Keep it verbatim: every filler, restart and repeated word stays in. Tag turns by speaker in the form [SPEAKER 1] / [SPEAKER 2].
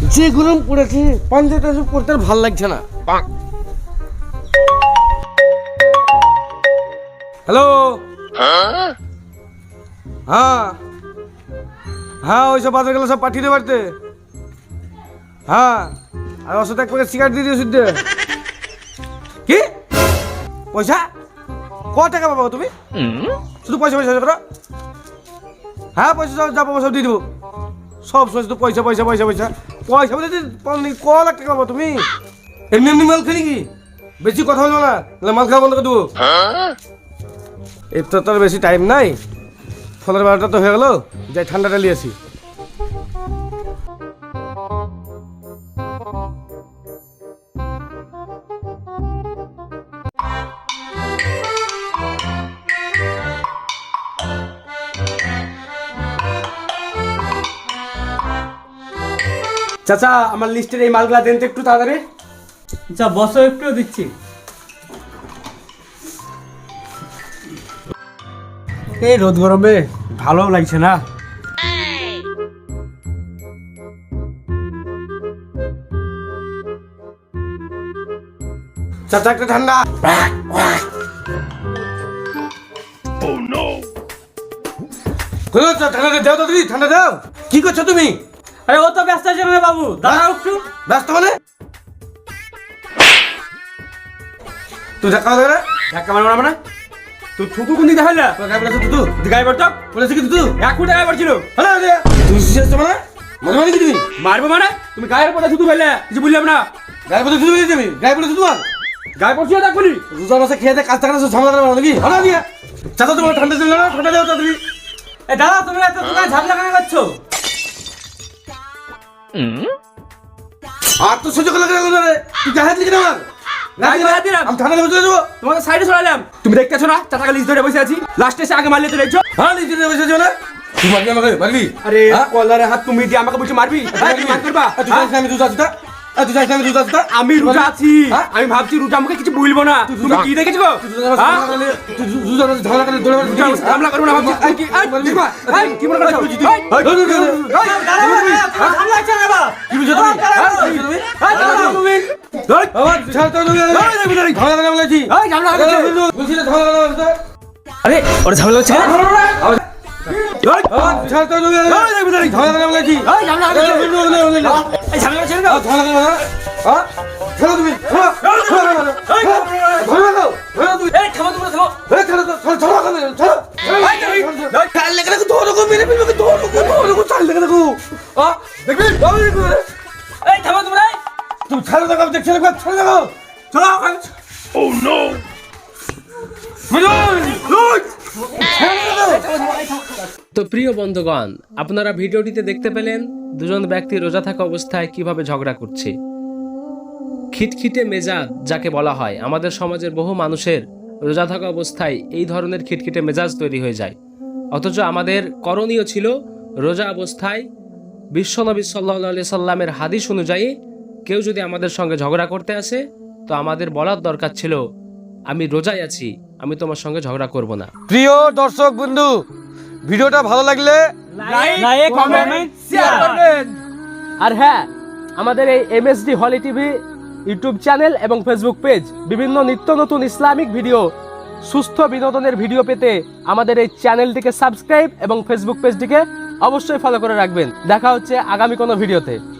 [SPEAKER 1] যে গরম পড়েছে পাঞ্জাটা পড়তে আর ভালো লাগছে না। হ্যালো, হ্যাঁ হ্যাঁ ওইসব বাজার গেলে সব পাঠিয়ে দে বাড়িতে। হ্যাঁ আর ওর সাথে এক প্যাকেট সিগারেট দিয়ে দিও শুদ্ধ। কি পয়সা ক টাকা পাবো তুমি? শুধু পয়সা পয়সা করো। হ্যাঁ পয়সা সব যা পাবো সব দিয়ে দেবো। সব সময় শুধু পয়সা পয়সা পয়সা পয়সা পয়সা বলে ক লাখ টাকা পাবো তুমি? এমনি এমনি মাল খালি কি? বেশি কথা বলবো না, মাল খাওয়া বন্ধ করে দেবো। এর তো তোর বেশি টাইম নাই, ফলের বারোটা তো হয়ে গেল, যাই ঠান্ডাটা নিয়ে আসি। চাচা আমার লিস্টের এই মালগুলা দেন তো একটু তাড়াতাড়ি।
[SPEAKER 2] আচ্ছা বসো, একটু দিচ্ছি।
[SPEAKER 1] এই রোদ গরমে ভালো লাগছে না। চাচা একটা ঠান্ডা। ঠান্ডা দাও তো দিদি, ঠান্ডা দাও। কি করছো তুমি?
[SPEAKER 2] আরে ও তো ব্যস্ত আছে না বাবু, দাঁড়াও একটু।
[SPEAKER 1] ব্যস্ত মানে? তুই ধাক্কা মারবে না?
[SPEAKER 2] ধাক্কা মারবো না মানে? তুই থুতু কোন দিকে হইলা?
[SPEAKER 1] তোর গায়ে পড়েছে তুতু?
[SPEAKER 2] গায়ে পড়তো?
[SPEAKER 1] পড়েছে কি তুতু?
[SPEAKER 2] এক ফুট গায়ে পড়ছিল।
[SPEAKER 1] হ্যালো দে তুই শিখছ মানে? মনে মানে কি তুমি?
[SPEAKER 2] মারবো মানে? তুমি গায়ের পড়ে থুতু ফেললে, কিছু বললাম না।
[SPEAKER 1] গায়ে পড়ে তুতু বলেছি আমি? গায়ে পড়েছে তোমার?
[SPEAKER 2] গায়ে পড়ছিল দেখ বলি।
[SPEAKER 1] রোজা মাসে খেয়ে দে কাজ থাকে না, ঝামেলা করে নাকি? হলো দিয়া চাচা তোমার ঠান্ডা দিল না? ঠান্ডা দাও তাড়াতাড়ি।
[SPEAKER 2] এ দাদা তুমি এত দোকানে ঝামেলা কেন করছো?
[SPEAKER 1] আর তো সহ্য করা গেল না রে। তুই গায়ে হাত লিখে না আমার।
[SPEAKER 2] গায়ে দিলাম।
[SPEAKER 1] আমি ঠান্ডা বসে যাবো।
[SPEAKER 2] তোমাকে সাইডে সরালাম। তুমি দেখতেছো না চাটাকে লিস্ট ধরে বসে আছি? লাস্টে এসে আগে মারলে তো দেখছো।
[SPEAKER 1] হ্যাঁ লিখে দিয়ে বসে যাবো না? তুই মারবি আমাকে? মারবি?
[SPEAKER 2] আরে
[SPEAKER 1] হ্যাঁ?
[SPEAKER 2] কলারে হাত তুমি দিয়ে আমাকে বলছো মারবি? হ্যাঁ, তুমি মার করবা?
[SPEAKER 1] তুই জানিস না আমি রোজা আছি তা? তুই জানিস না আমি রোজা আছি তা?
[SPEAKER 2] আমি রোজা আছি।
[SPEAKER 1] হ্যাঁ?
[SPEAKER 2] আমি ভাবছি রোজা আমাকে কিছু বলবো না। তুমি কি দেখেছো গো?
[SPEAKER 1] তুই রোজা
[SPEAKER 2] হ্যাঁ?
[SPEAKER 1] মাসে তুই রোজা মাসে ঝামেলা করে দৌড়ে মারবি?
[SPEAKER 2] ঝামেলা করবো না ভাবছি। এই কি- এই, দেখবা? এই, কি মনে করছো? এই,
[SPEAKER 1] কি বুঝছো তুমি? আমার ছাড় তো তুমি। ঝামেলা করে বলেছি। বলছি না ঝামেলা করে বলতে।
[SPEAKER 2] আরে ওরা ঝামেলা হচ্ছে কেন?
[SPEAKER 1] আমার ছাড় তো তুমি। ঝামেলা করে বলেছি।
[SPEAKER 2] এই ঝামেলা হচ্ছে কেন? এই ঝামেলা হচ্ছে কেন?
[SPEAKER 1] ঝামেলা করে না? হ্যাঁ? খেলো তুমি। খেলো। খেলো না। ধরে নাও। ধরে তুমি।
[SPEAKER 2] এই থামো তোমরা থামো।
[SPEAKER 1] এই খেলো তো। চলো চলো ওখানে। চলো। কাল লেগে দেখো ধরো গো মেরে ফেলবে ধরো গো ধরো গো চাল লেগে দেখো। হ্যাঁ? দেখবি? বাবা দেখবি?
[SPEAKER 2] এই থামো তোমরা।
[SPEAKER 1] তুমি ছাড়ো দেখো আমি দেখছি না ছাড়ো দেখো। চলো ওখানে। Oh no.
[SPEAKER 3] তো প্রিয় বন্ধুগণ, আপনারা ভিডিওটিতে দেখতে পেলেন দুজন ব্যক্তি রোজা থাকা অবস্থায় কিভাবে ঝগড়া করছে। খিটখিটে মেজাজ যাকে বলা হয়, আমাদের সমাজের বহু মানুষের রোজা থাকা অবস্থায় এই ধরনের খিটখিটে মেজাজ তৈরি হয়ে যায়। অথচ আমাদের করণীয় ছিল রোজা অবস্থায় বিশ্বনবী সাল্লাল্লাহু আলাইহি সাল্লামের হাদিস অনুযায়ী কেউ যদি আমাদের সঙ্গে ঝগড়া করতে আসে তো আমাদের বলার দরকার ছিল, আমি রোজায় আছি, আমি তোমার সঙ্গে ঝগড়া করব না।
[SPEAKER 1] প্রিয় দর্শক বন্ধু, ভিডিওটা ভালো লাগলে
[SPEAKER 2] লাইক কমেন্ট শেয়ার করবেন। আর হ্যাঁ, আমাদের এই MSD holy TV YouTube channel এবং ফেসবুক পেজ বিভিন্ন নিত্য নতুন ইসলামিক ভিডিও, সুস্থ বিনোদনের ভিডিও পেতে আমাদের এই চ্যানেলটিকে সাবস্ক্রাইব এবং ফেসবুক পেজটিকে অবশ্যই ফলো করে রাখবেন। দেখা হচ্ছে আগামী কোনো ভিডিওতে।